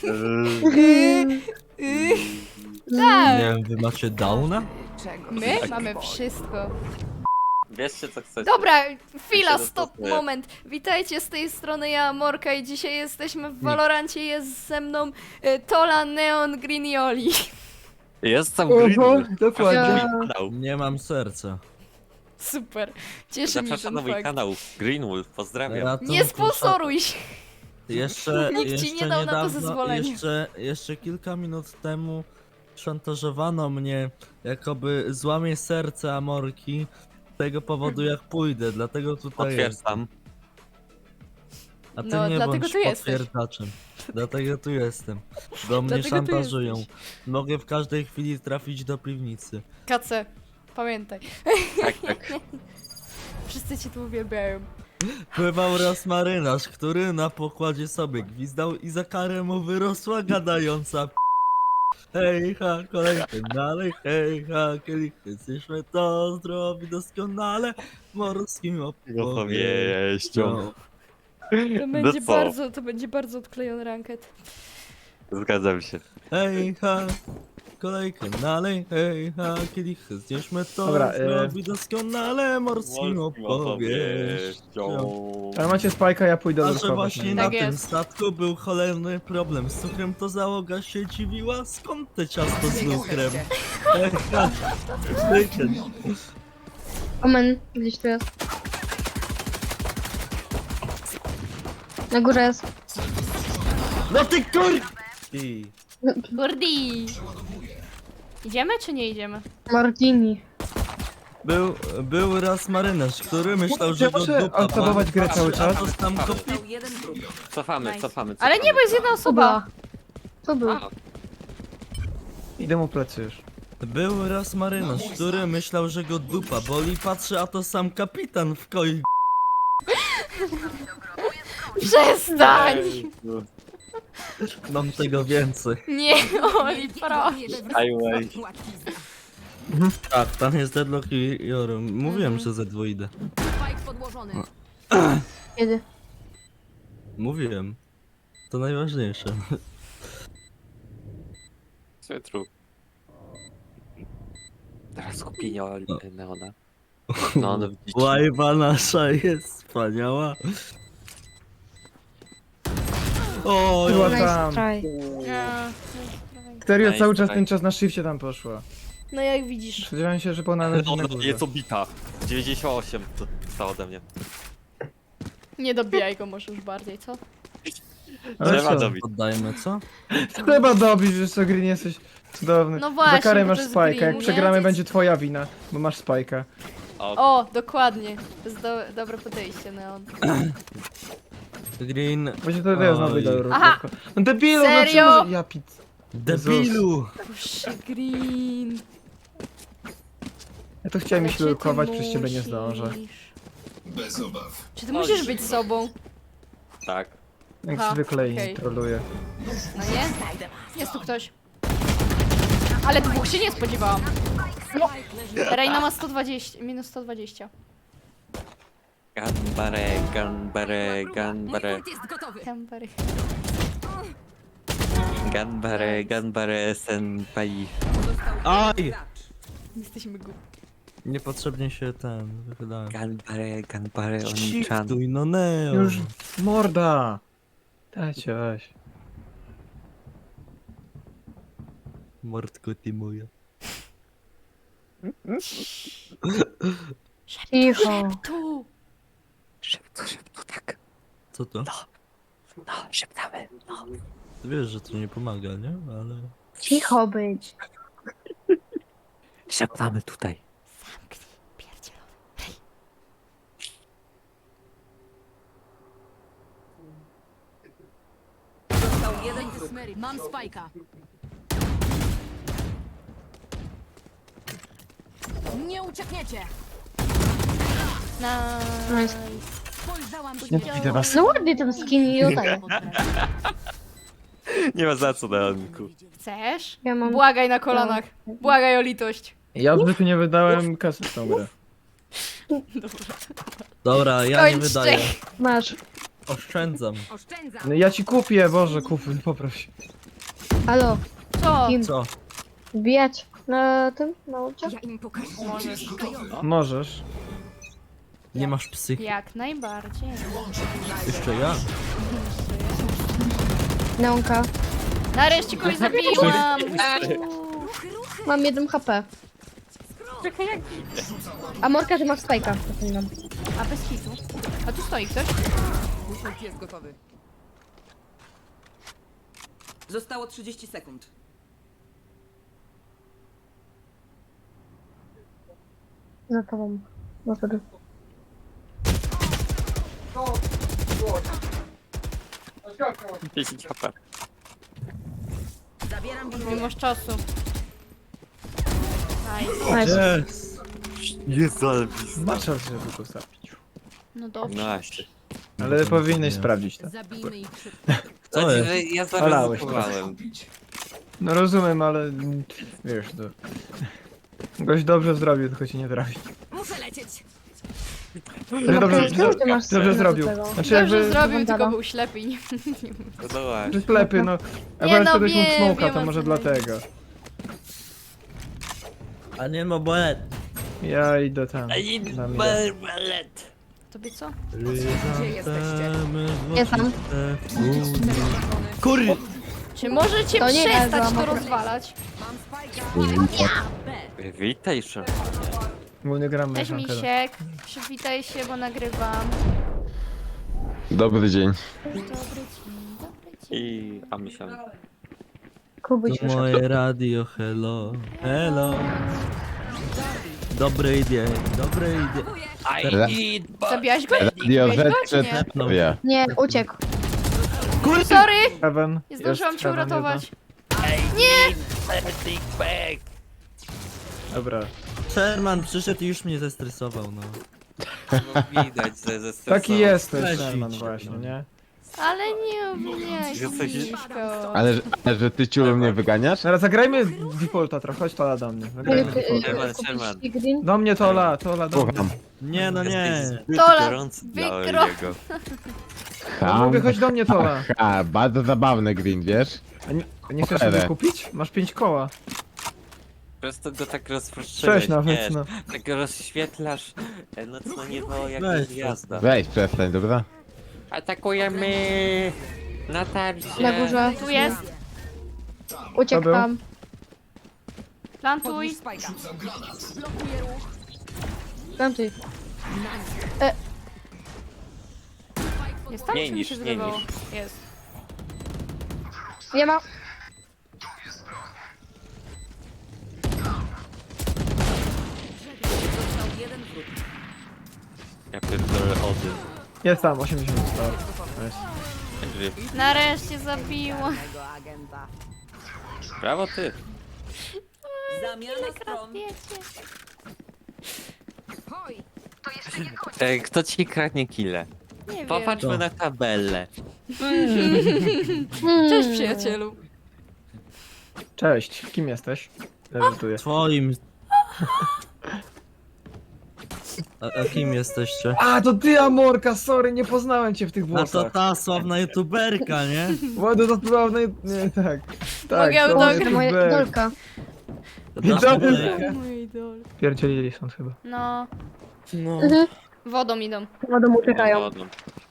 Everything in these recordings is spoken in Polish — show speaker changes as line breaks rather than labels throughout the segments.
Tak,
Nie wiem, wy macie downa?
my mamy wszystko.
Wieszcie co chcecie.
Dobra, chwila,
Ja się
stop,
dostosuję.
moment. Witajcie z tej strony, ja Morka i dzisiaj jesteśmy w Valorancie, jest ze mną Tola Neon Grinioli.
Jestem Greenwood.
dokładnie.
Zapraszam na mój kanał.
Nie mam serca.
Super, cieszy mnie
Zapraszam na
ten
mój
fakt.
kanał. Greenwood, pozdrawiam.
Ratunku,
Nie sponsoruj się.
Jeszcze,
Nikt ci
jeszcze
nie dał na to
niedawno,
zezwolenia.
jeszcze kilka minut temu szantażowano mnie, jakoby złamie serce Amorki z tego powodu jak pójdę, dlatego tutaj jest.
Potwierdzam.
A ty
No,
nie
dlatego
bądź
tu jesteś.
potwierdzaczem. Dlatego tu jestem. Bo mnie
Dlatego tu
szantażują.
jesteś.
Mogę w każdej chwili trafić do piwnicy.
Kace, pamiętaj.
Tak, tak.
Wszyscy cię tu uwielbiają.
Pływał raz marynarz, który na pokładzie sobie gwizdał i za karę mu wyrosła gadająca Hej ha, kolejny dalej, hej ha, kielichy, zjeszmy to zdrowi doskonale morskim opowieścią.
To będzie bardzo odklejony ranket.
Zgadzam się.
Hej ha, kolejkę dalej, hej ha, kielichy, zjeszmy to
Dobra,
zdrowi doskonale morskim opowieścią.
Ale macie spajka, ja pójdę
A
do
że
schować.
właśnie
Tak
na tym
jest.
statku był cholerny problem z cukrem, to załoga się dziwiła, skąd te ciasto z lukrem?
Omen, gdzieś tu jest. Na górze jest.
No ty kur... I...
Gordi! Idziemy czy nie idziemy?
Martini.
Był raz marynarz, który myślał, że go
Muszę
dupa
aktywować grę cały czas.
A to tam kopi...
Cofamy.
Ale nie, bo jest jedna osoba.
To był.
A,
Idę mu plecy już.
Był raz marynarz, który myślał, że go dupa boli, patrzy, a to sam kapitan w koi.
Przestań!
Mam tego więcej.
Nie, Oli, proszę.
highway.
Tak, tam jest Deadlock i Joru. Mówiłem, że ze dwu idę.
Kiedy?
Mówiłem. To najważniejsze.
Cytru. Teraz skupienie Neona. No, no widzicie.
Łajba nasza jest wspaniała. O,
Była
Nice
tam.
try.
Serio,
Nice,
cały czas
nice.
ten czas na shifcie tam poszła.
No jak widzisz.
Spodziewałem się, że ona leży na
Ona
górze.
jest obita. 98 to zostało ode mnie.
Nie dobijaj go może już bardziej, co?
Ale
Trzeba
co?
dobić.
Poddajmy, co?
Trzeba dobić, wiesz co, Green, jesteś cudowny.
No właśnie,
Za karę
bo
masz
to jest
spajka,
Green,
jak
nie?
przegramy
To jest-
będzie twoja wina, bo masz spajka.
O, dokładnie. To jest dobre podejście, Neon.
Green...
Właśnie to ja znowu
Oj.
idę do
Aha!
No debilu,
Serio?
no czemu... Ja pit...
Debilu!
Boże, Green.
Ja to chciałem iść
Czy ty
lukować, przez ciebie nie
musisz?
zdążę.
Bez obaw.
Czy ty musisz być sobą?
Tak.
Jak
Aha,
zwykle
okej.
i troluję.
No nie? Jest tu ktoś. Ale dwóch się nie spodziewałam. Reina ma 120, minus 120.
Ganbare.
Tempery.
Ganbare senpai.
Aj!
Jesteśmy głupi.
Niepotrzebnie się wychylałem.
Ganbare oni-chan.
Shiftuj, no Neo!
Już morda! Dajcie, weź.
Mordko ty moja.
Cicho.
Tu!
Szybko, tak.
Co to?
No, szeptamy. No.
Ty wiesz, że to nie pomaga, nie? Ale...
Cicho być.
Szeptamy tutaj.
Zamknij, pierdzielowy.
Mam spajka. Nie uciekniecie!
Nice.
Spojrzałam do
Nie widzę was.
No ładnie ten skin i oddaję.
Nie ma za co, Neonku.
Chcesz?
Ja mam...
Błagaj na kolanach. Błagaj o litość.
Ja w życiu nie wydałem kasy w tą grę.
Dobra, ja nie
Skończcie.
wydaję.
Masz.
Oszczędzam.
Oszczędzam.
No ja ci kupię, Boże, kup, poproś.
Halo,
Co?
Kim?
Co?
wbijać na tym, na łódź?
Ja im pokażę.
Możesz.
Możesz.
Nie masz psychy.
Jak najbardziej.
Jeszcze ja?
Neonka.
Nareszcie kogoś zabiłam!
Mam 1 HP. A Morka, ty masz spajka. Zapominam.
A bez hitu. A tu stoi ktoś?
Ult jest gotowy. Zostało 30 sekund.
Za tobą. No wtedy.
10 HP.
Zabieram
Nie masz czasu. Nice.
Nice.
Yes.
Jezu, ale blisko.
Masz szansę, żeby go zabić.
No dobrze.
No właśnie.
Ale powinieneś
Nie.
sprawdzić to.
Zabijmy ich szybko.
Co
Znaczy,
jest?
że ja
Olałeś
zaryzykowałem.
No rozumiem, ale wiesz, to... Goś dobrze zrobił, tylko ci nie trafi.
Muszę lecieć.
Dobrze,
Czemu ty masz
dobrze
na
zrobił.
tego?
Znaczy
Dobrze
jakby...
zrobił,
Wandala.
tylko był ślepy i nie...
No właśnie.
Że sklepy, no.
Nie,
Akurat
no
wtedy mógł
wiem,
smoka,
wiem,
to
o
może
co
dlatego.
A nie ma bolet.
Ja idę tam. na mnie.
Tobie co?
Gdzie jesteście?
Jestem.
Kurde!
Czy możecie
To nie
przestać
wezłam
to
akurat.
rozwalać?
Mam spajka. B.
Witaj, szef.
Bo nie gramy
Cześć
w Ankara.
Misiek. Przywitaj się, bo nagrywam.
Dobry dzień.
Dobry dzień, dobry dzień.
A myślałem.
Kubuś
To
już.
moje radio, hello, hello. Dobry dzień, dobry dzień.
Zabiłaś go?
Radio
Zabiłaś go,
Z
czy nie?
przedstawia.
Nie, uciekł.
Sorry!
Heaven.
Nie zdążyłam
jest
cię
Heaven
uratować.
jeden. Dobra.
Sherman przyszedł i już mnie zestresował, no.
No widać, że ze stresu.
Taki jesteś,
Weź
Sherman,
idź,
właśnie,
no.
nie?
Ale nie obwiniaj się,
Jesteś-
Miśko.
Ale że ty ciulu mnie wyganiasz?
Teraz zagrajmy defaulta trochę, chodź Tola do mnie. Zagrajmy defaulta.
Sherman.
Green?
Do mnie Tola do mnie.
Słucham.
Nie, no nie.
Zbyt
Tola,
gorący dla
wykro-
Oliego.
Mówię, chodź do mnie Tola.
Ha, bardzo zabawny green, wiesz?
A nie chcesz
Cholerę.
sobie kupić? Masz 5 koła.
Przez to go tak rozproszyłeś,
6 nawet,
wiesz,
no.
tak rozświetlasz nocno niebo jak
Weź,
gwiazda.
Weź, przestań, dobra?
Atakujemy na tarcie.
Na górze.
Tu jest.
To
Uciekł
był?
tam.
Plantuj.
Podnieś spajka. Blokuję ruch.
Plantuj.
Jest tam,
Nie
czy mi
niż,
się
nie
wydawało?
niż.
Jest.
Nie ma.
Został jeden wróg.
Ja pierdolę Odyn.
Jest tam, 80 zostało. Nice.
Nareszcie zabiłam.
Tego agenta.
Brawo ty.
Zamiana stron.
Kradniecie.
Hoj.
Kto ci kradnie kile?
Nie wiem.
Popatrzmy na tabelę.
Cześć przyjacielu.
Cześć, kim jesteś? Leżytuję.
Twoim... A kim jesteście?
A, to ty Amorka, sorry, nie poznałem cię w tych
No to
włosach.
ta sławna youtuberka, nie?
Ładno to była w nie, tak. Tak,
Mogę
to
autograf?
jest
Moja
B.
idolka.
To
Dobra.
ta youtuberka.
Mój idol.
Pierdzielili są chyba.
No,
No.
wodą idą.
Wodą uciekają.
Wodą.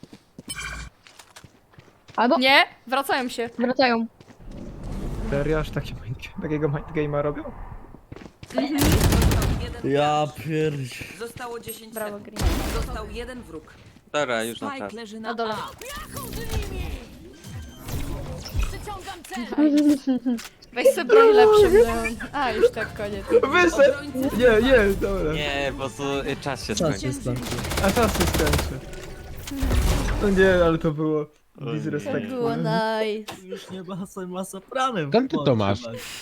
Albo
Nie, wracają się.
wracają.
Serio, aż takiego mindgame'a robią?
Jeden
Ja pierdź.
Zostało 10
Brawo,
sekund.
Green.
Został jeden wróg.
Dobra, już na
Spike
tarczy.
leży
Na
na
dole.
A. Przyciągam cel.
Weź sobie broń lepszą, Leon. A, już tak, koniec.
Wyszedł! Nie, dobra.
Nie, po prostu czas się
Czas
skończył.
się skończył.
A czas się skończy. No nie, ale to było
O nie.
disrespectful.
Było nice.
Już nie ma sopranem.
Skąd ty to masz?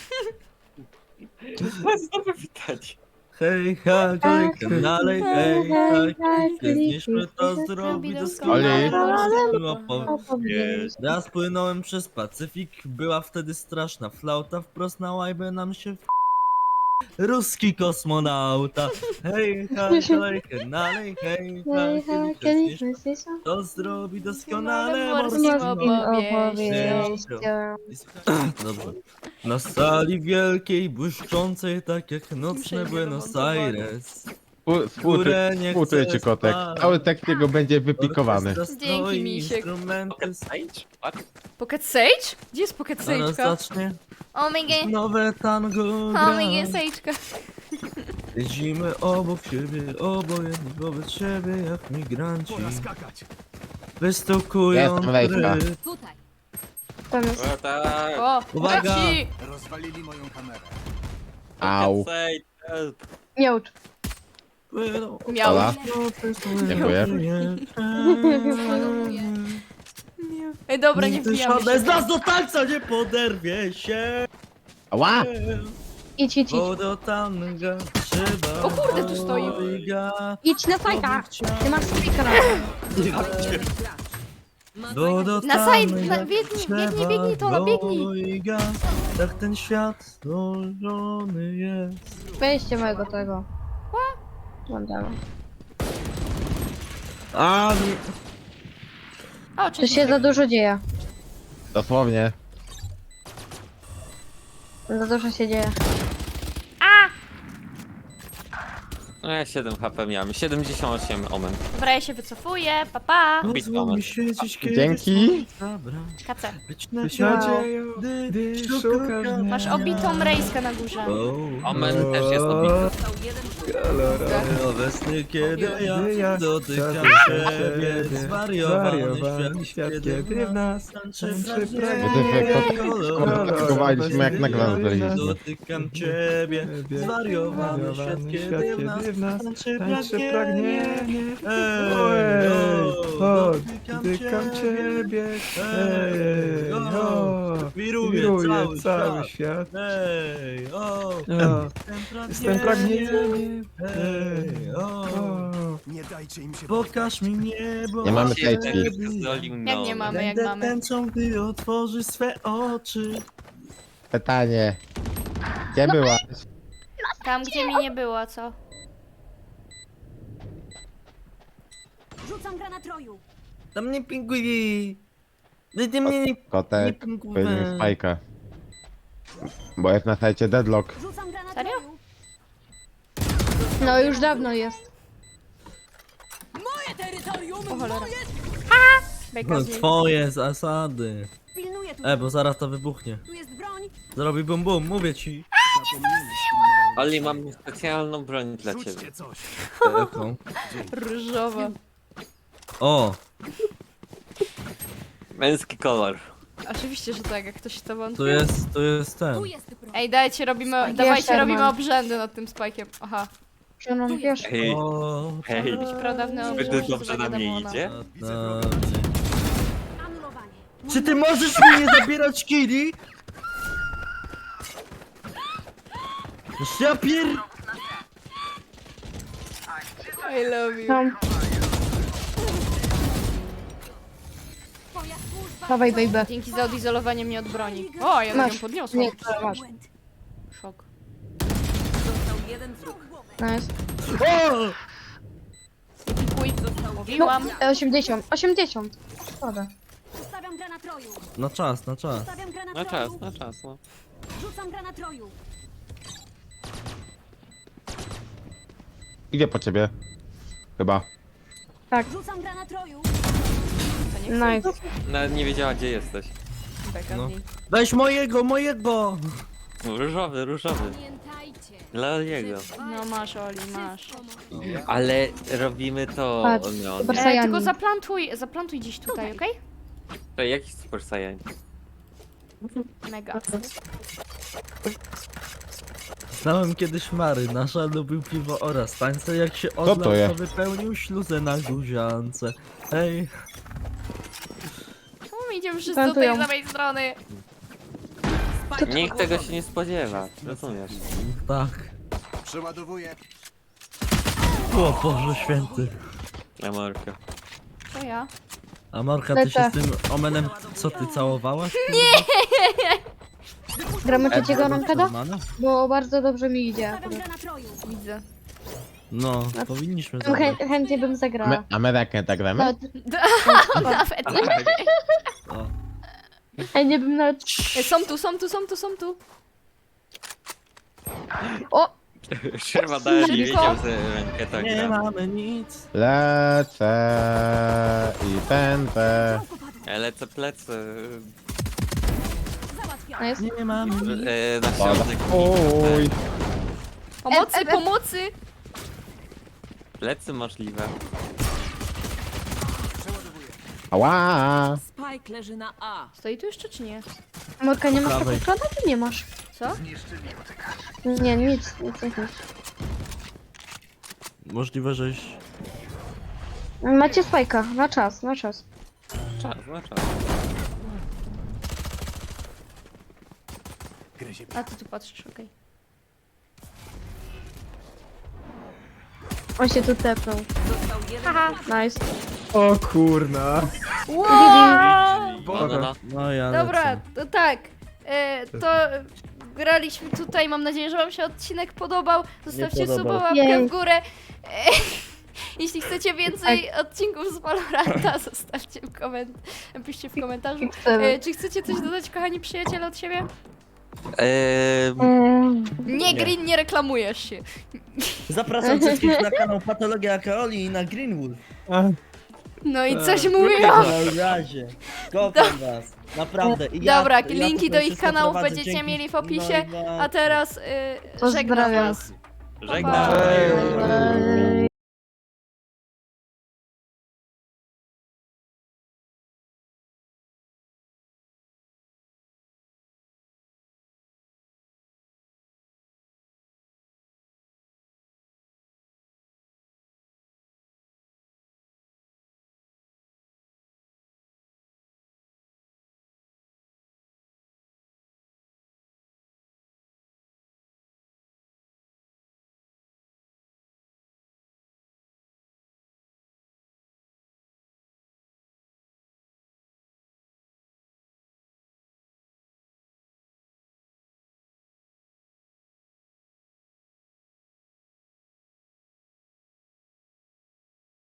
Znowu witać.
Hej, ha, klikam dalej, hej, ha, kliknijmy to zrobić doskonale. Było
Opowiedz.
Raz płynąłem przez Pacyfik, była wtedy straszna flauta, wprost na łajbę nam się ruski kosmonauta. Hej, ha, kolejkę nalej, hej, ha, kieliszek zniszcz. To zrobi doskonale
Morskim
morskim
opowieścią.
Dobrze. Na sali wielkiej, błyszczącej, tak jak nocne Buenos Aires.
Współczuję ci, kotek.
spać.
Cały tekst jego będzie wypikowany.
Orkiestra
Dzięki,
stoi,
misiek.
instrumenty
Pocket Sage? What?
Pocket Sage? Gdzie jest Pocket
zaraz
Sage'ka?
zacznie
Oh my god.
nowe tango
Oh
gra.
my god, Sage'ka.
Jeździmy obok siebie, obojętni wobec siebie jak migranci. Wystukują
Jestem wejska.
rytm.
Tutaj.
Tam jest.
O tak.
O,
Uwaga.
leci.
Rozwalili moją kamerę.
Au.
Pocket Sage, help.
Miaucz.
Płyną.
Miał.
Ola. Dziękuję.
Ej, dobra, nie
Nigdy
wbijamy
żadne
się.
z nas do tańca nie poderwie się.
Ała!
Idź, idź, idź.
Bo do tanga trzeba.
O kurde, tu stoi.
dwojga.
Idź na fajka. Ty masz spika na
Bo do
Na side,
tanga
na- biegnij,
trzeba
biegnij, biegnij, Tola, biegnij.
dwojga. Tak ten świat złożony jest.
Weźcie mojego tego. Mam dalej.
A nie.
O,
Tu
cześć.
się za dużo dzieje.
Dosłownie.
Za dużo się dzieje.
No ja 7 HP miałem, 78 omen.
Dobra, ja się wycofuję, papa.
Pozwól mi siedzieć, kiedy
Dzięki.
słońca brak.
Kace.
Być na
Być
ciadzie,
nadzieją,
gdy
szukasz
szukasz
mnie.
Masz obitą rejskę na górze.
Omen też jest obity.
Został jeden wróg.
Obecny, kiedy
Kiedy
ja
ja
dotykam
dotykam
ciebie,
ciebie,
zwariowany świat,
kiedy w nas
tańczy
tańczy
Komplikowaliśmy jak na granat byliśmy.
Dotykam ciebie, zwariowany świat, kiedy w nas tańczy pragnienie.
Ojej, o,
Dotykam
dotykam ciebie.
Ej,
O,
wiruje
wiruje
cały świat.
świat.
Ej, o,
O, jestem pragnieniem.
Ej, o,
O,
Nie dajcie im się
pokaż mi niebo.
Nie mamy
Się
safety.
zdolił,
Jak nie mamy, jak
Będę
mamy.
tęczą, gdy otworzy swe oczy.
Pytanie. Gdzie byłaś?
Tam, gdzie mi nie było, co?
Rzucam granatroju.
Tam nie pingui. Ty mnie nie
Kotek,
pingui.
powiedziałem spajka. Bo jest na sajcie deadlock.
Rzucam granatroju.
No już dawno jest.
Moje terytorium!
O cholera.
Moje...
Beka
No
z niej.
twoje zasady.
Pilnuję tu.
Bo zaraz to wybuchnie.
Tu jest broń.
Zrobi bum bum, mówię ci.
Oli, mam specjalną broń dla ciebie.
Rzućcie coś.
Jaką?
Różowa.
O,
Męski kolor.
Oczywiście, że tak, jak ktoś to
tu
wątpi.
jest ten.
Tu jest broń.
Ej, dajcie, robimy,
Spike
dawajcie,
jeszcze,
robimy
man.
obrzędy nad tym spajkiem. Aha.
Czy no wiesz?
Hej,
O,
hej.
Jakieś pradawne
Zbyt
obrzędy.
dobrze na mnie idzie.
Anulowanie.
Czy ty możesz mi nie zabierać kili? Już ja pier...
I love you.
Tam.
Twoja służba.
Dawaj, baby.
Dzięki za odizolowanie mnie od broni. O, ja ją
Masz.
podniosłam.
Nie, to masz.
Szok.
Został jeden wróg.
Nice.
O!
Pikuj.
No,
Mówiłam.
80. 80. Szkoda.
Ustawiam granatroju.
Na czas, na czas.
Ustawiam
Na
granatroju.
czas, no.
Rzucam granatroju.
Idzie po ciebie. Chyba.
Rzucam granatroju.
To nie chcę.
Nice.
Nawet nie wiedziała, gdzie jesteś.
Beka
No.
z niej.
Weź mojego!
Różowy, różowy.
Pamiętajcie.
Dla jego.
No masz, Oli, masz.
Ale robimy to,
Patrz,
no.
super
nie.
Sajani.
Tylko zaplantuj gdzieś tutaj, okej?
To jaki Super Saiyan?
Mega.
Znałem kiedyś marynarza, lubił piwo oraz tańce. Jak się
to
odlał,
jest?
to wypełnił śluzę na guziance. Hej,
Czemu my idziemy wszyscy do
Plantują.
tej samej strony?
Nikt tego się nie spodziewa, rozumiesz?
tak.
Przeładowuję.
O Boże święty.
Amorka.
To ja.
A Marka, ty się
Lecę.
z tym omenem, co ty całowałaś?
Gramy trzeciego rankeda?
Normalne?
Bo bardzo dobrze mi idzie.
Stawiam granatroju.
Widzę.
No, powinniśmy
Chę
zagrać.
chętnie bym zagrała.
A my tak gramy?
Nawet,
Nawet nie.
O.
chętnie bym nawet...
Są tu.
O!
Sierwa dali,
Szybko.
wiedział, że rękę tak
Nie
gra.
mamy nic.
Lecę i pędzę.
Lecę plecy.
Załatwiam.
Nice.
Nie mamy nic.
Na środek.
Oj.
Pomocy.
Plecy możliwe.
Ała!
Spike leży na A.
Stoi tu jeszcze czy nie?
Morka, nie masz
Prawej.
takiego klana, czy nie masz?
Co?
Nie, nic.
Możliwe, żeś...
Macie spajka, na czas.
Czas, na czas.
A ty tu patrzysz, okej.
On się tu tepnął.
Został jeden.
Haha.
Nice.
O kurna.
Wow!
No.
No ja
Dobra,
lecę.
to tak. To graliśmy tutaj. Mam nadzieję, że wam się odcinek podobał. Zostawcie
Nie
suba,
podobał.
łapkę
Jej.
w górę. Jeśli chcecie więcej odcinków z Valoranta, zostawcie napiszcie w komentarzu.
Chcemy.
Czy chcecie coś dodać, kochani przyjaciele, od siebie? Nie, Green, nie reklamujesz się.
Zapraszam wszystkich na kanał Patologia Akaoli i na Greenwood.
No i coś mówiłam.
Na razie. Kocham was. Naprawdę. I ja,
Dobra,
ja
linki do
tutaj
ich
wszystko
kanałów
prowadzę
będziecie
dzięki-
mieli w opisie.
No i
A teraz żegnam
Pozdrawiam.
was.
Żegnam.
Ej.
Eee.